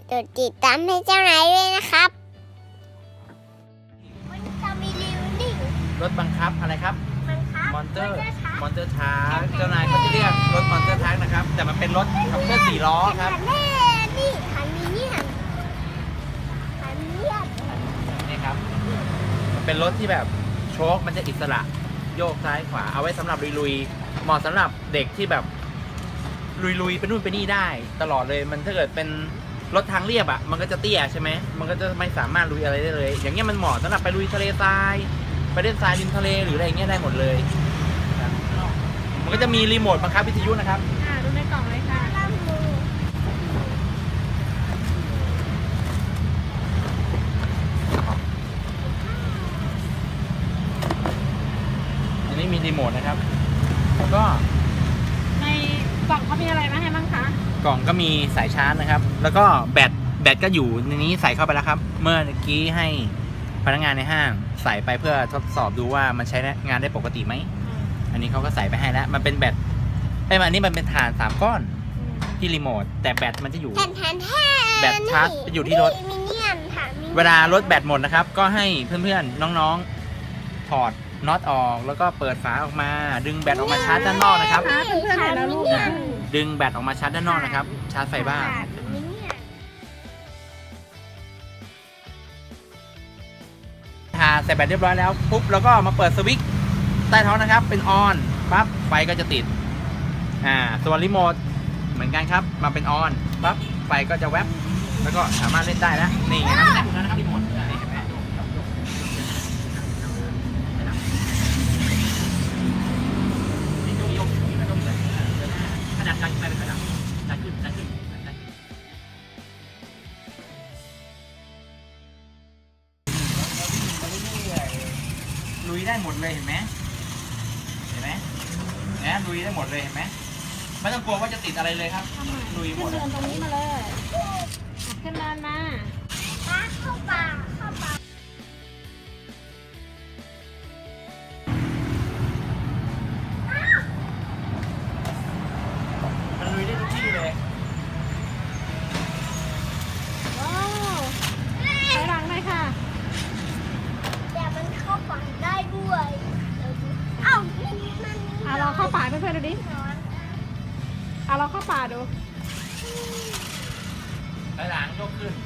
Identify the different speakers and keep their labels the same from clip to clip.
Speaker 1: กดติดตามให้เจ้านายด้วยนะครับมันจะมีรีวิวนี่
Speaker 2: รถบังคับอะไรครับ
Speaker 1: มันครับ
Speaker 2: มอนเตอร์ทาร์กเจ้านายเขาจะเรียกรถมอนเตอร์ทาร์กนะครับแต่มันเป็นรถขับเคลื่อน4 ล้อครับ
Speaker 1: นี่คันนี้เนี่ยคันนี้
Speaker 2: นี่ครับมันเป็นรถที่แบบโชคมันจะอิสระโยกซ้ายขวาเอาไว้สำหรับลุยๆเหมาะสำหรับเด็กที่แบบลุยๆไปนู่นไปนี่ได้ตลอดเลยมันถ้าเกิดเป็นรถทางเรียบอ่ะมันก็จะเตี้ยใช่ไหมมันก็จะไม่สามารถลุยอะไรได้เลย อย่างเงี้ยมันเหมาะสำหรับไปลุยทะเลทรายไปเล่นทรายริมทะเลหรืออะไรเงี้ยได้หมดเลยครับมันก็จะมีรีโมทบังคับวิทยุนะครับ
Speaker 3: ดูในกล่องเลยค่ะ
Speaker 2: อันนี้มีรีโมทนะครับแล้วก็
Speaker 3: ในกล่องเขามีอะไรมาให้บ้างคะ
Speaker 2: กล่องก็มีสายชาร์จนะครับแล้วก็แบตก็อยู่ในนี้ใส่เข้าไปแล้วครับเมื่อกี้ให้พนักงานในห้างใส่ไปเพื่อทดสอบดูว่ามันใช้งานได้ปกติไหมอันนี้เขาก็ใส่ไปให้แล้วมันเป็นแบตอันนี้มันเป็นถ่าน3 ก้อนที่รีโมทแต่แบตมันจะอยู่
Speaker 1: แทน
Speaker 2: แบตชาร์จจะอยู่ที่รถ
Speaker 1: มิเนียนค่ะมินียน
Speaker 2: เวลารถแบตหมดนะครับก็ให้เพื่อนๆน้องๆถอดน็อตออกแล้วก็เปิดฝาออกมาดึงแบตออกมาชาร์จด้านนอกนะครับ
Speaker 3: เพื่อนๆเห็นแล้วลูก
Speaker 2: ดึงแบตออกมาชาร์จด้านนอกนะครับชาร์จไฟบ้าน
Speaker 1: มิเนียน
Speaker 2: ใส่แบตเรียบร้อยแล้วปุ๊บแล้วก็มาเปิดสวิตช์ใต้ท้องนะครับเป็นออนปั๊บไฟก็จะติดส่วนรีโมทเหมือนกันครับมาเป็นออนปั๊บไฟก็จะแวบแล้วก็สามารถเล่นได้แล้วนี่ไงครับนะครับรีโมทนี่เห็นไหมขนาดดันขึ้นไปเป็นขนาดดันขึ้นลุยได้หมดเลยเห็นไหมลุยได้หมดเลยเห็นไหมไม่ต้องกลัวว่าจะติดอะไรเลยครับลุยหม
Speaker 3: ขึ้น
Speaker 2: ด
Speaker 3: เดินตรงนี้มาเลยขึ้นเดินมา
Speaker 1: เข้าป่า
Speaker 2: มันลุยได้ทุกที่เลย
Speaker 3: ว้าวถอยหลังเลยค่ะ
Speaker 1: แต่มันเข้าป่าได้ด้วยเอ้ามัน
Speaker 3: ลองเข้าป่าเพื่อนๆดูดิลองเข้าป่าดู
Speaker 2: ถอยหลังยกขึ้น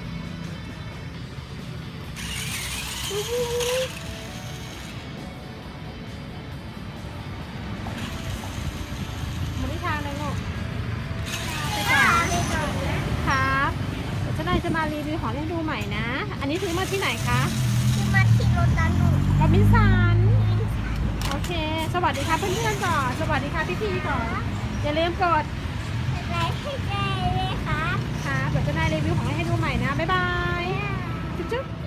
Speaker 3: มาที่ทางเลยลูกไปก่อนครับเดี๋ยวเจ้านายจะมารีวิวของเล่นดูใหม่นะ อันนี้ซื้อมาที่ไหนคะ
Speaker 1: คือมาที่รถตันหนู
Speaker 3: โรบินสันโอเค สวัสดีค่ะเพื่อนๆก่อนสวัสดีค่ะพี่ๆก่อนอย่าลืมกด
Speaker 1: อะไรให้ได้เลยครับ
Speaker 3: ค่ะเดี๋ยวเจ้านายรีวิวของเล่นให้ดูใหม่นะบ๊ายบายจุ๊บ